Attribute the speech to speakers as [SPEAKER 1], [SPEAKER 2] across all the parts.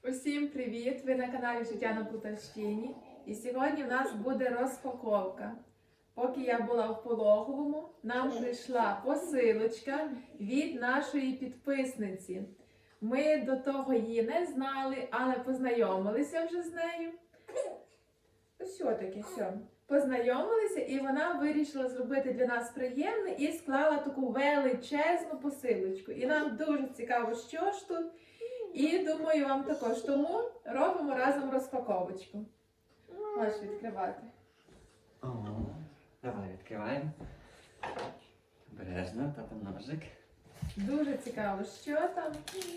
[SPEAKER 1] Усім привіт! Ви на каналі Життя на Полтавщині. І сьогодні в нас буде розпаковка. Поки я була в Пологовому, нам прийшла посилочка від нашої підписниці. Ми до того її не знали, але познайомилися вже з нею. Що таке? Що? Познайомилися, і вона вирішила зробити для нас приємне і склала таку величезну посилочку. І нам дуже цікаво, що ж тут. І думаю, вам також. Тому робимо разом розпаковочку. Можеш відкривати.
[SPEAKER 2] О, давай відкриваємо. Обережно, тата ножик.
[SPEAKER 1] Дуже цікаво, що там.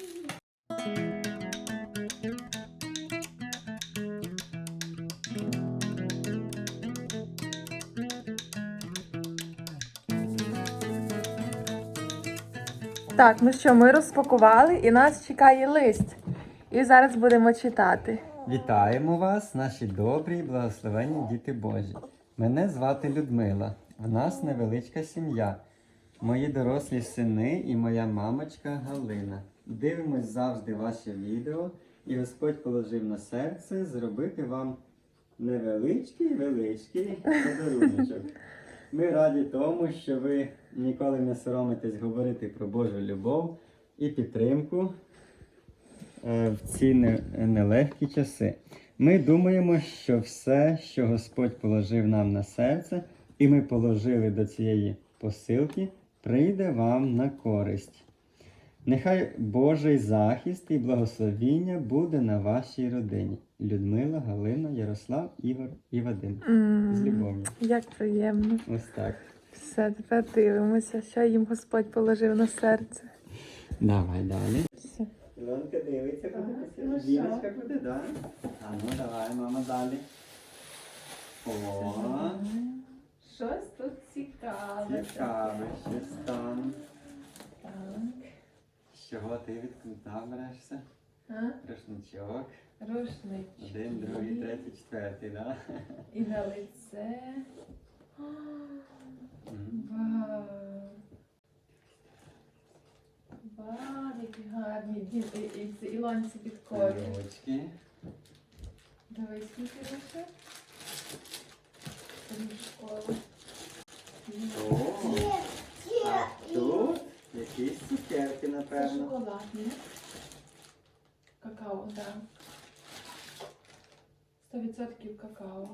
[SPEAKER 1] Так, ну що, ми розпакували і нас чекає лист. І зараз будемо читати.
[SPEAKER 2] Вітаємо вас, наші добрі і благословенні діти Божі. Мене звати Людмила. В нас невеличка сім'я. Мої дорослі сини і моя мамочка Галина. Дивимось завжди ваше відео, і Господь положив на серце зробити вам невеличкий подаруночок. Ми раді тому, що ви ніколи не соромитесь говорити про Божу любов і підтримку в ці нелегкі часи. Ми думаємо, що все, що Господь положив нам на серце, і ми положили до цієї посилки, прийде вам на користь. Нехай Божий захист і благословіння буде на вашій родині. Людмила, Галина, Ярослав, Ігор і Вадим. З любов'ю.
[SPEAKER 1] Як приємно.
[SPEAKER 2] Ось так.
[SPEAKER 1] Все, тепер дивимося, що їм Господь положив на серце.
[SPEAKER 2] Давай далі.
[SPEAKER 1] Все.
[SPEAKER 2] Ілонка дивиться,
[SPEAKER 1] Так,
[SPEAKER 2] буде
[SPEAKER 1] ну що?
[SPEAKER 2] Діночка буде, так? А ну давай, мама, далі. О,
[SPEAKER 1] Щось тут цікаве.
[SPEAKER 2] цікаве, щось там.
[SPEAKER 1] Так.
[SPEAKER 2] З чого ти берешся?
[SPEAKER 1] А?
[SPEAKER 2] Рушничок.
[SPEAKER 1] Рушнички.
[SPEAKER 2] 1, 2, 3, 4, да?
[SPEAKER 1] І на лице. Вау. Вау, які гарні. І Ілонці підкорюють.
[SPEAKER 2] Ручки.
[SPEAKER 1] Давай скільки лише. Школа.
[SPEAKER 2] О, а тут якісь цукерки,
[SPEAKER 1] Це
[SPEAKER 2] напевно.
[SPEAKER 1] шоколад, ні? Какао, так. 100% какао.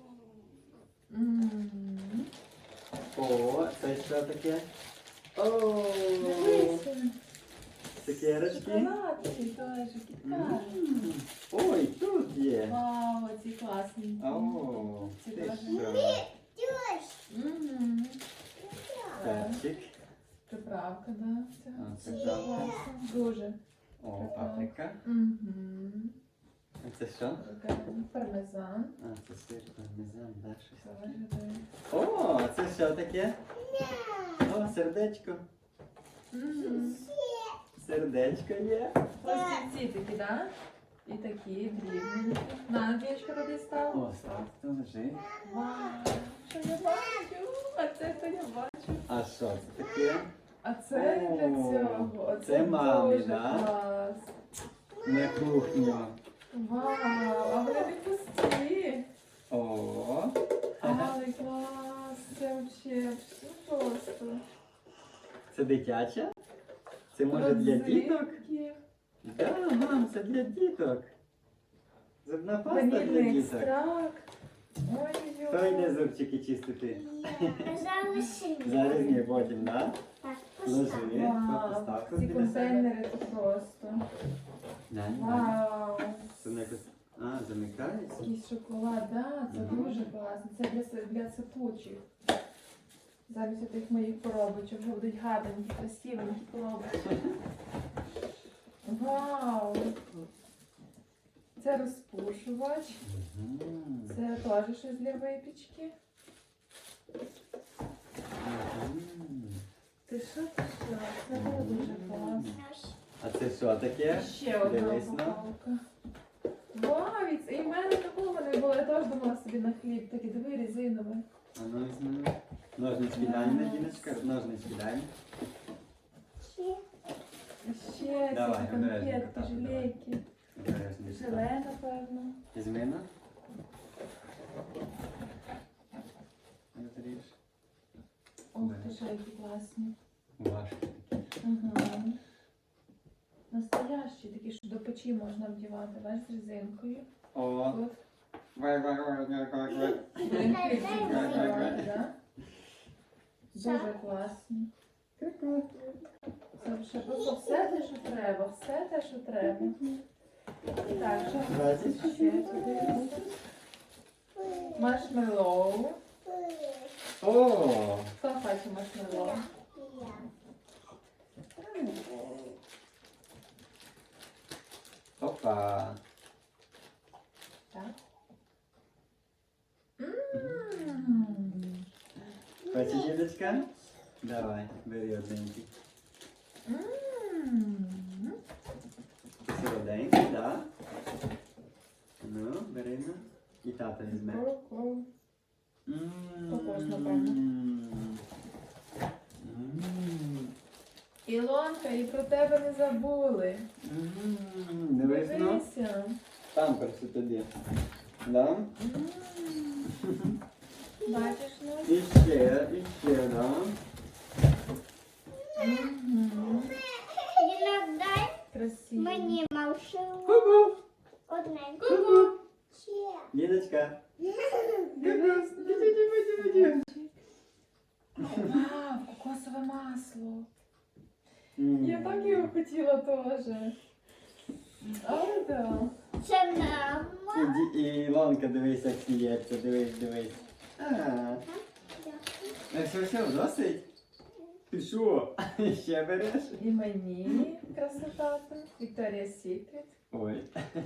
[SPEAKER 2] О, це що таке? О,
[SPEAKER 1] Дивися.
[SPEAKER 2] цукерочки.
[SPEAKER 1] Шоколадки теж, кіткат.
[SPEAKER 2] Ой, тут є.
[SPEAKER 1] Вау, ці класні.
[SPEAKER 2] О,
[SPEAKER 1] Ці
[SPEAKER 2] ти
[SPEAKER 1] теж.
[SPEAKER 2] що? Перчик.
[SPEAKER 1] Приправка, да.
[SPEAKER 2] А,
[SPEAKER 1] Це
[SPEAKER 2] приправка.
[SPEAKER 1] класно. Дуже.
[SPEAKER 2] О, паприка. А це що?
[SPEAKER 1] Пармезан.
[SPEAKER 2] А, це сир, пармезан, да, щось таке.
[SPEAKER 1] Теж, да.
[SPEAKER 2] О, це що таке? О, сердечко. Сердечко є.
[SPEAKER 1] Ось ці такі, да? І такі дрібненькі. На, Андрієчка, туди став.
[SPEAKER 2] О, сладко лежить.
[SPEAKER 1] Вау, що я бачу? А це то я бачу.
[SPEAKER 2] А що це таке?
[SPEAKER 1] А це не для
[SPEAKER 2] О,
[SPEAKER 1] цього. Оце
[SPEAKER 2] це мамі,
[SPEAKER 1] дуже
[SPEAKER 2] да?
[SPEAKER 1] клас.
[SPEAKER 2] На кухню.
[SPEAKER 1] Вау, а вони не пусті.
[SPEAKER 2] О,
[SPEAKER 1] Але клас, це взагалі просто.
[SPEAKER 2] це дитяча? Це може для діток?
[SPEAKER 1] Родзинки,
[SPEAKER 2] Да, мам, це для діток. Зубна паста для
[SPEAKER 1] ванільний
[SPEAKER 2] діток.
[SPEAKER 1] екстракт.
[SPEAKER 2] Хто йде
[SPEAKER 1] Ой-ой.
[SPEAKER 2] зубчики чистити? Зараз ні, потім, да? Ложи,
[SPEAKER 1] Вау,
[SPEAKER 2] постав тут
[SPEAKER 1] ці
[SPEAKER 2] біля себе.
[SPEAKER 1] контейнери це просто.
[SPEAKER 2] Да, ні.
[SPEAKER 1] Вау.
[SPEAKER 2] Це не якось... А, замикається?
[SPEAKER 1] Якийсь шоколад, да, це
[SPEAKER 2] Мгм.
[SPEAKER 1] дуже класно. Це для сипучих. Замість тих моїх коробочок вже будуть гарненькі, красивенькі коробочки. Вау! Це розпушувач.
[SPEAKER 2] Мгм.
[SPEAKER 1] Це теж щось для випічки.
[SPEAKER 2] Мгм.
[SPEAKER 1] Ти що? Це було дуже класно.
[SPEAKER 2] А це що таке?
[SPEAKER 1] Ще одна
[SPEAKER 2] Дивись, ну.
[SPEAKER 1] упаковка. Вау, і в мене такого не було. Я теж думала собі на хліб. Такі, диви, резинове.
[SPEAKER 2] А ну візьми. Ножниць дай, Надіночка, ножниць дай.
[SPEAKER 1] Ще ці
[SPEAKER 2] Давай,
[SPEAKER 1] конфетки,
[SPEAKER 2] обережно,
[SPEAKER 1] жилейки.
[SPEAKER 2] Обережно,
[SPEAKER 1] желе, напевно.
[SPEAKER 2] Зміна. Розріж.
[SPEAKER 1] Ох, ти що, які класні.
[SPEAKER 2] Важко.
[SPEAKER 1] Ага. Настоящі, такі, що до печі можна вдівати, бачиш, з резинкою.
[SPEAKER 2] О.
[SPEAKER 1] Тут.
[SPEAKER 2] Вай.
[SPEAKER 1] Будемо хлібчик доставати, да? Дуже класні. Це вже просто все те, що треба, все те, що треба. Так, що ще туди? Маршмеллоу.
[SPEAKER 2] О.
[SPEAKER 1] Хто хоче маршмеллоу?
[SPEAKER 2] Опа.
[SPEAKER 1] Так.
[SPEAKER 2] Хочеш, дідочка? Давай, бери одненький. Солоденький, да? Ну, бери на. І тата візьме.
[SPEAKER 1] Також, напевно. Ілонка, і про тебе не забули.
[SPEAKER 2] Дивись, ну.
[SPEAKER 1] Дивися.
[SPEAKER 2] Памперси тобі. Да?
[SPEAKER 1] Бачиш, ну?
[SPEAKER 2] І ще, да?
[SPEAKER 3] Іноді
[SPEAKER 1] Красиво.
[SPEAKER 3] мені машину
[SPEAKER 2] Ку-ку.
[SPEAKER 3] одненьку.
[SPEAKER 1] Ку-ку.
[SPEAKER 3] Ще.
[SPEAKER 2] Дідочка.
[SPEAKER 1] Дивись. Вау, кокосове масло. Я так його хотіла теж. Але да.
[SPEAKER 3] Це мама.
[SPEAKER 2] І Ілонка, дивись, як сміється, дивись. Все, досить? Ти що? Ще береш?
[SPEAKER 1] І мені красота. Вікторія Сікрет.
[SPEAKER 2] Ой.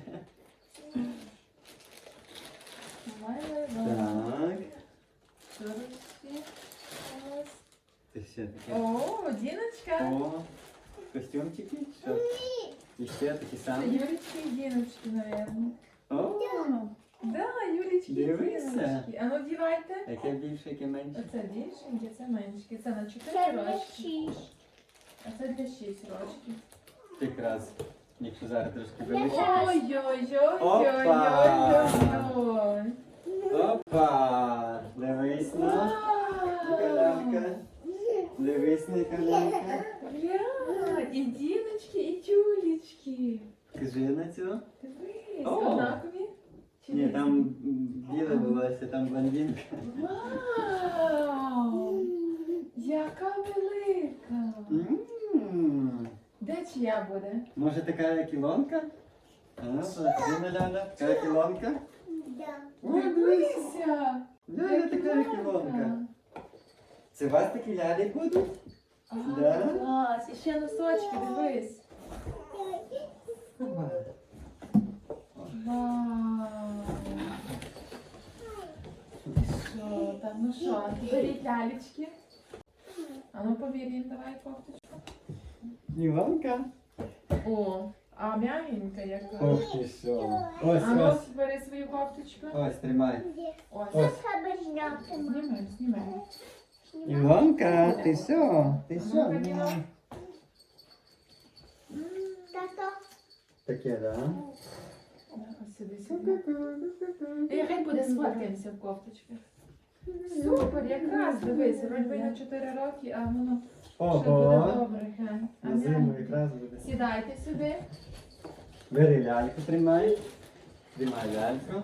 [SPEAKER 1] Майло.
[SPEAKER 2] Так.
[SPEAKER 1] Дорожчі. Ось.
[SPEAKER 2] Ти ще таке.
[SPEAKER 1] О, Діночка.
[SPEAKER 2] О, костюмчики? Що? І ще такі
[SPEAKER 1] Це
[SPEAKER 2] самі?
[SPEAKER 1] Юлічки і Діночки, напевно.
[SPEAKER 2] О,
[SPEAKER 1] Да, Юлічки і
[SPEAKER 2] Дивися.
[SPEAKER 1] Діночки. А ну вдівайте.
[SPEAKER 2] яке більше, яке менше.
[SPEAKER 1] Оце більшеньке, це меншеньке. Це на 4
[SPEAKER 3] Це для
[SPEAKER 1] рочки.
[SPEAKER 3] 6.
[SPEAKER 1] А це для 6 рочків.
[SPEAKER 2] Якраз, якщо зараз трошки вилучити.
[SPEAKER 1] Ой-ой-ой-ой-ой-ой-ой.
[SPEAKER 2] Опа! Дивись на колянка. Дивись на колянка.
[SPEAKER 1] Глянь, і Діночки, і Тюлечки.
[SPEAKER 2] Кажи на цю.
[SPEAKER 1] Дивись,
[SPEAKER 2] О.
[SPEAKER 1] однакові? Чи
[SPEAKER 2] Ні,
[SPEAKER 1] різні?
[SPEAKER 2] там біле волосся, там блондинка.
[SPEAKER 1] Вау! Яка велика!
[SPEAKER 2] М.
[SPEAKER 1] Де чия буде?
[SPEAKER 2] Може така як Ілонка? А ну, покажи на Ляля. Така як Ілонка?
[SPEAKER 3] Да.
[SPEAKER 2] О, дивись.
[SPEAKER 1] Дивися!
[SPEAKER 2] Ляля така як Ілонка. Це у вас такі лялі будуть?
[SPEAKER 1] А,
[SPEAKER 2] Да?
[SPEAKER 1] клас! І ще носочки, дивись.
[SPEAKER 2] Опа.
[SPEAKER 1] Вау! Що там? Ну що, беріть лялечки. А ну поміряємо, давай кофточку.
[SPEAKER 2] Ілонка?
[SPEAKER 1] О, а м'ягенька яка.
[SPEAKER 2] Ох ти що. Ось,
[SPEAKER 1] А ну
[SPEAKER 2] ось.
[SPEAKER 1] бери свою кофточку.
[SPEAKER 2] Ось, тримай.
[SPEAKER 1] Ось.
[SPEAKER 3] Це треба зняти, мама.
[SPEAKER 1] Знімай, знімай.
[SPEAKER 2] Ілонка, ти що? Ти що?
[SPEAKER 3] Тато.
[SPEAKER 2] Таке, да?
[SPEAKER 1] Ось сюди, сюди. І хай буде сфоткаємося в кофточках. Супер, якраз, дивись, вроді на 4 роки, а воно ще буде
[SPEAKER 2] Ого.
[SPEAKER 1] добре. Глянь. А
[SPEAKER 2] На зиму
[SPEAKER 1] м'ягеньке.
[SPEAKER 2] якраз буде.
[SPEAKER 1] Сідайте сюди.
[SPEAKER 2] Бери ляльку, тримай. Тримай ляльку.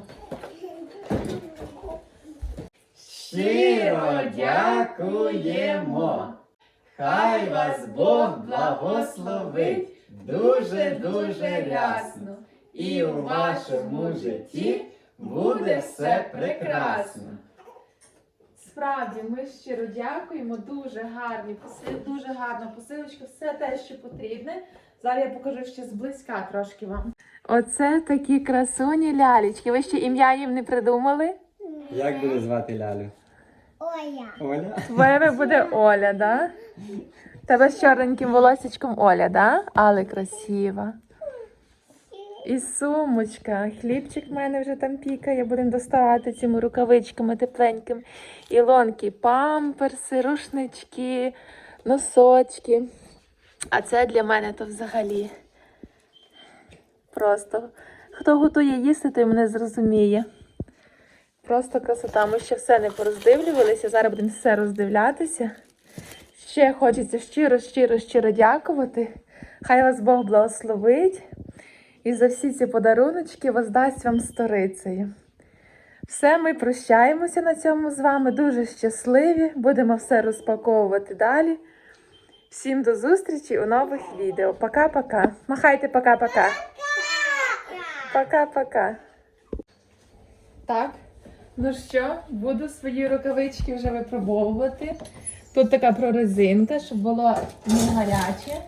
[SPEAKER 1] Щиро дякуємо! Хай вас Бог благословить дуже-дуже рясно. І у вашому житті буде все прекрасно. Справді, ми щиро дякуємо. Дуже гарні дуже гарна посилочка, все те, що потрібне. Зараз я покажу ще зблизька трошки вам. Оце такі красуні лялечки. Ви ще ім'я їм не придумали?
[SPEAKER 2] Як буде звати лялю?
[SPEAKER 3] Оля.
[SPEAKER 2] Оля?
[SPEAKER 1] Твоє буде Оля, да? Тебе з чорненьким волосечком Оля, да? Але красива. І сумочка. Хлібчик в мене вже там пікає. Будемо доставати цими рукавичками тепленькими. Ілонки, памперси, рушнички, носочки. А це для мене то взагалі просто Хто готує їсти, той мене зрозуміє. Просто красота. Ми ще все не пороздивлювалися, зараз будемо все роздивлятися. Ще хочеться щиро дякувати. Хай вас Бог благословить і за всі ці подаруночки воздасть вам сторицею. Все, ми прощаємося на цьому з вами. Дуже щасливі. Будемо все розпаковувати далі. Всім до зустрічі у нових відео. Пока-пока. Махайте пока-пока. Пока-пока. Так, ну що, буду свої рукавички вже випробовувати. Тут така прорезинка, щоб було не гаряче.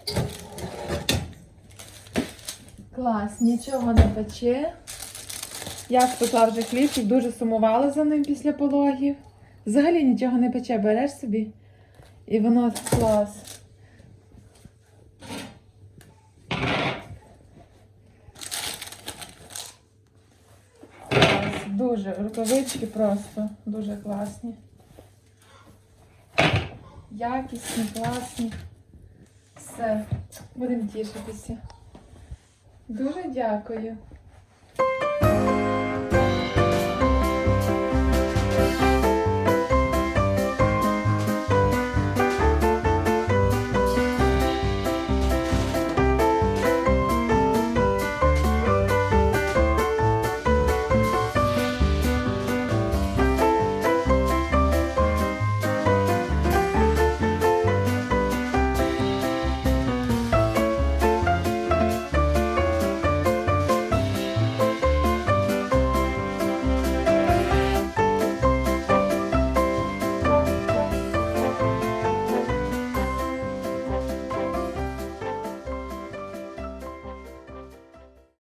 [SPEAKER 1] Клас, нічого не пече. Я спекла вже хлібчик, дуже сумувала за ним після пологів. Взагалі нічого не пече, береш собі. І воно клас. Дуже, рукавички просто дуже класні. Якісні, класні. Все, будемо тішитися. Дуже дякую.